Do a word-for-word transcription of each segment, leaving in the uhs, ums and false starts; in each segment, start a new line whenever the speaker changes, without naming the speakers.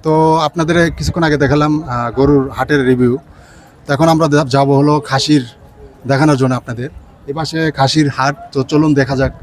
তো আপনাদের কিছুক্ষণ আগে দেখালাম গরুর হাটের রিভিউ। তো এখন আমরা যাব হলো খাসির দেখানোর জন্য আপনাদের। এ পাশে খাসির হাট, তো চলুন দেখা যাক।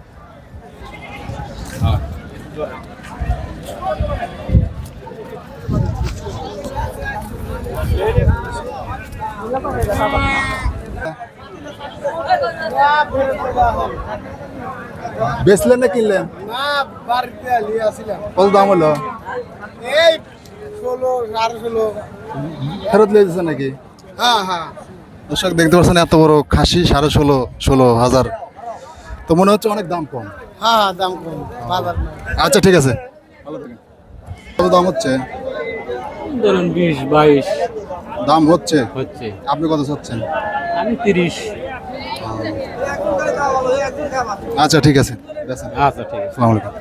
বেচলেন না কিনলেন?
না, বাড়িতে নিয়ে আসছিলাম।
কত দাম হলো?
এই ষোলো সাড়ে ষোলো।
ফেরত নিয়ে যাচ্ছে নাকি?
হ্যাঁ হ্যাঁ।
দর্শক দেখতে পাচ্ছেন এত বড় খাসি সাড়ে ষোলো ষোলো হাজার, তো মনে হচ্ছে অনেক দাম কম।
হ্যাঁ হ্যাঁ, দাম কম বাজার না।
আচ্ছা ঠিক আছে, ভালো থাকেন। কত দাম হচ্ছে?
ধরুন বিশ বাইশ
দাম হচ্ছে
হচ্ছে।
আপনি কত চাচ্ছেন?
আমি তিরিশ।
আচ্ছা ঠিক আছে, বেচেন।
আচ্ছা ঠিক আছে।
আসসালামু আলাইকুম।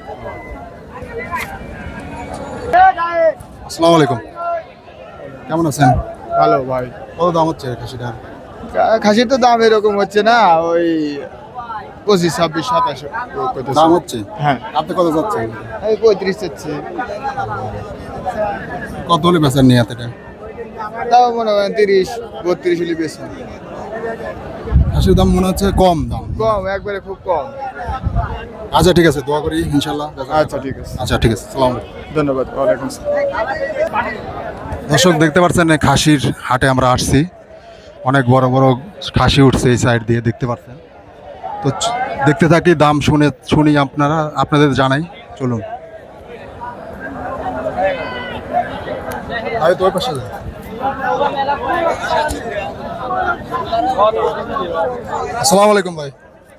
আসসালামু আলাইকুম, কেমন আছেন?
ভালো ভাই।
কত দাম হচ্ছে খাসিটার?
খাসির তো দাম এরকম হচ্ছে না, ওই পঁচিশ ছাব্বিশ সাতাশ
দাম হচ্ছে।
হ্যাঁ,
আপনি কত চাচ্ছেন?
এই পঁয়ত্রিশ হচ্ছে।
কত হলে বেচার নিয়ে এতটা?
তাও মনে করেন তিরিশ বত্রিশ হলে বেশি।
খাসির দাম মনে হচ্ছে কম দাম।
কম, একবারে খুব কম।
আচ্ছা ঠিক আছে, দোয়া করি ইনশাল্লাহ।
আচ্ছা ঠিক আছে,
আচ্ছা ঠিক আছে, আসসালামু আলাইকুম।
ধন্যবাদ। ওয়ালাইকুম আসসালাম।
দর্শক দেখতে পাচ্ছেন এই খাসির হাটে আমরা আসছি, অনেক বড় বড় খাসি উঠছে এই সাইড দিয়ে, দেখতে পাচ্ছেন। তো চ- দেখতে থাকি, দাম শুনে শুনি আপনারা আপনাদের জানাই, চলুন। আরে তোর পাশে যা। আসসালামু আলাইকুম ভাই,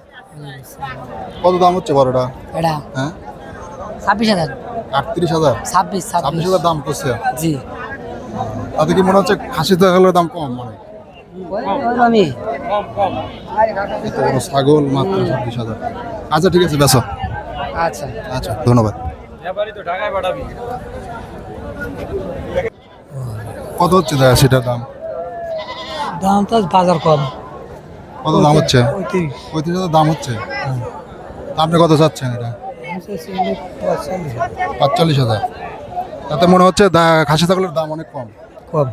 কত দাম হচ্ছে বড়টা?
এটা
হ্যাঁ,
ছাব্বিশ হাজার।
আটত্রিশ হাজার
ছাব্বিশ
ছাব্বিশ
ছাব্বিশ
হাজার দাম করছে।
জি।
তাতে কি মনে হচ্ছে খাসি ছাগলের দাম কম? মানে
আমি
এত বড় ছাগল মাত্র ছাব্বিশ হাজার। আচ্ছা ঠিক আছে, বেসো।
আচ্ছা
আচ্ছা ধন্যবাদ। কত হচ্ছে দাদা সেটার দাম?
দাম তো বাজার কম।
কত দাম হচ্ছে?
পঁয়ত্রিশ।
পঁয়ত্রিশ হাজার দাম হচ্ছে। তা আপনি কত চাচ্ছেন এটা? পাঁচচল্লিশ হাজার। তাতে মনে হচ্ছে দা- খাসি ছাগলের দাম অনেক কম।
কম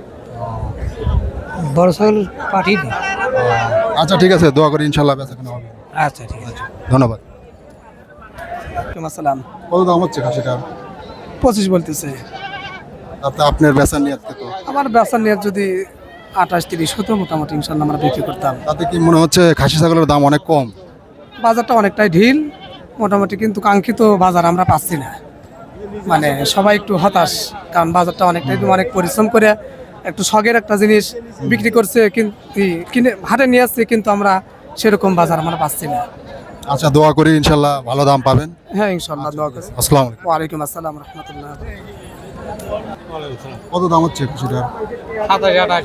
বড় ছাগল পাঠিয়ে দিই।
আচ্ছা ঠিক আছে, দোয়া করি ইনশাল্লাহ বেচা কেনা হবে।
আচ্ছা ঠিক আছে।
ধন্যবাদ।
আসসালাম।
কত দাম হচ্ছে খাসিটার?
পঁচিশ বলতেছে।
তাতে আপনার বেচা নিয়ে তো
আমার ব্যবসা নিয়ে যদি আঠাশ তিরিশ হতো মোটামুটি ইনশাল্লাহ আমরা বিক্রি করতাম।
তাতে কি মনে হচ্ছে খাসি ছাগলের দাম অনেক কম?
বাজারটা অনেকটাই ঢিল মোটামুটি, কিন্তু কাঙ্ক্ষিত বাজার আমরা পাচ্ছি না। মানে সবাই একটু হতাশ, কারণ বাজারটা অনেকটাই অনেক পরিশ্রম করে একটু শখের একটা জিনিস বিক্রি করছে, কিন্তু কিনে হাটে নিয়ে আসছে, কিন্তু আমরা সেরকম বাজার আমরা পাচ্ছি না।
আচ্ছা দোয়া করি ইনশাল্লাহ ভালো দাম পাবেন।
হ্যাঁ ইনশাল্লাহ, দোয়া করি।
আসসালামু আলাইকুম।
ওয়ালাইকুম আসসালাম রহমতুল্লাহ।
কত দাম হচ্ছে খাসিটার?
সাতাশ আঠাশ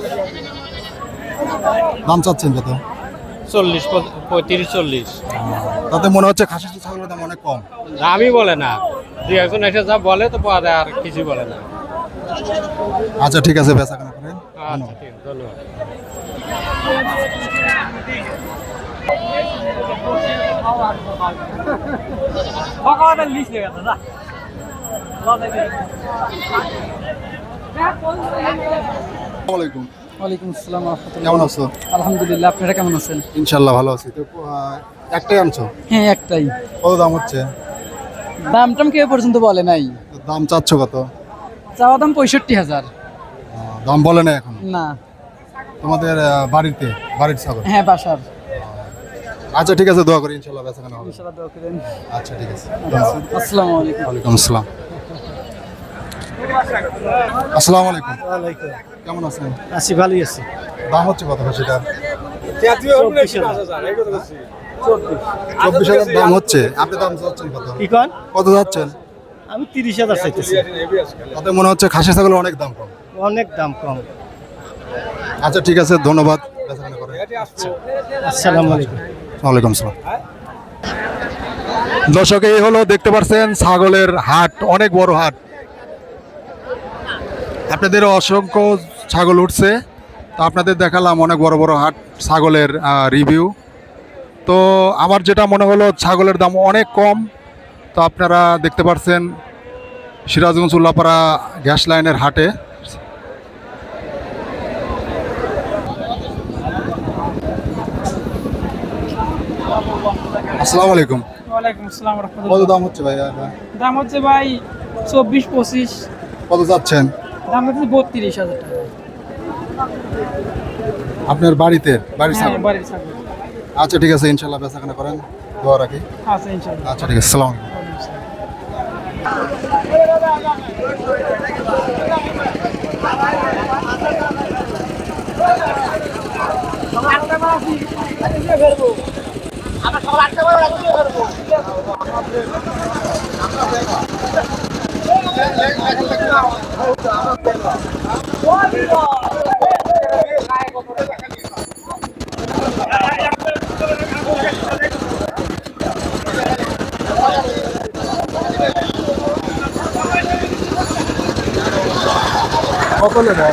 দাম চাচ্ছেন কত?
চল্লিশ পঁয়ত্রিশ চল্লিশ।
তাতে মনে হচ্ছে খাসি ছাগলের দাম অনেক কম।
দামই বলে না, দুই একজন এসে যা বলে তো পাওয়া যায়, আর কিছু বলে না।
আচ্ছা ঠিক আছে, বেচা কেনা করেন।
আচ্ছা ঠিক আছে, ধন্যবাদ।
আসসালামু আলাইকুম।
ওয়ালাইকুম আসসালাম রহমতুল্লাহ।
কেমন আছো?
আলহামদুলিল্লাহ, আপনারা কেমন আছেন?
ইনশাল্লাহ ভালো আছি। তো আহ, একটাই আনছো?
হ্যাঁ একটাই।
কত দাম হচ্ছে?
দাম টাম কেউ পর্যন্ত বলে নাই।
তো দাম চাচ্ছ কত?
চাওয়া দাম পঁয়ষট্টি হাজার।
আহ, দাম বলে না এখন?
না।
তোমাদের আহ, বাড়িতে বাড়ির ছাগল?
হ্যাঁ বাসার।
আচ্ছা ঠিক আছে, দোয়া করি ইনশাল্লাহ বেচা কেনা হবে।
ইনশাআল্লাহ দোয়া করেন।
আচ্ছা ঠিক আছে,
আসসালামু আলাইকুম।
ওয়ালাইকুম আসসালাম। আসসালামু আলাইকুম, কেমন আছেন?
আছি, ভালোই আছি।
দাম হচ্ছে কত খাসিটার? চব্বিশ হাজার দাম হচ্ছে। আপনি দাম চাচ্ছেন কত?
কি কন?
কত যাচ্ছেন?
আমি তিরিশ হাজার চাইতেছি।
তাতে মনে হচ্ছে খাসি ছাগল অনেক দাম কম।
অনেক দাম কম।
আচ্ছা ঠিক আছে, ধন্যবাদ। বেচা কেনা করেন।
আসসালামু আলাইকুম।
ওয়ালাইকুম আসসালাম। দর্শক এই হলো, দেখতে পাচ্ছেন ছাগলের হাট, অনেক বড় হাট। আপনাদের অসংখ্য ছাগল উঠছে, তো আপনাদের দেখালাম অনেক বড় বড় হাট ছাগলের রিভিউ। তো আমার যেটা মনে হলো ছাগলের দাম অনেক কম। তো আপনারা দেখতে পাচ্ছেন সিরাজগঞ্জ উল্লাপাড়া গ্যাস লাইনের হাটে। আসসালামু আলাইকুম।
ওয়ালাইকুম আসসালাম
কত
রহমতুল্লাহ।
দাম হচ্ছে ভাই?
দাম হচ্ছে ভাই চব্বিশ পঁচিশ,
কত যাচ্ছেন?
দাম হচ্ছে বত্রিশ হাজার টাকা।
আপনার বাড়িতে বাড়ির
হ্যাঁ,
ছাগল?
বাড়ির ছাগল
আচ্ছা ঠিক আছে, ইনশাল্লাহ বেচাকেনা করেন, দোয়া রাখি।
আছে ইনশাল্লাহ।
আচ্ছা ঠিক আছে, সালাম আলাইকুম।
ওয়ালাইকুম আসসালাম।
কত নেবে?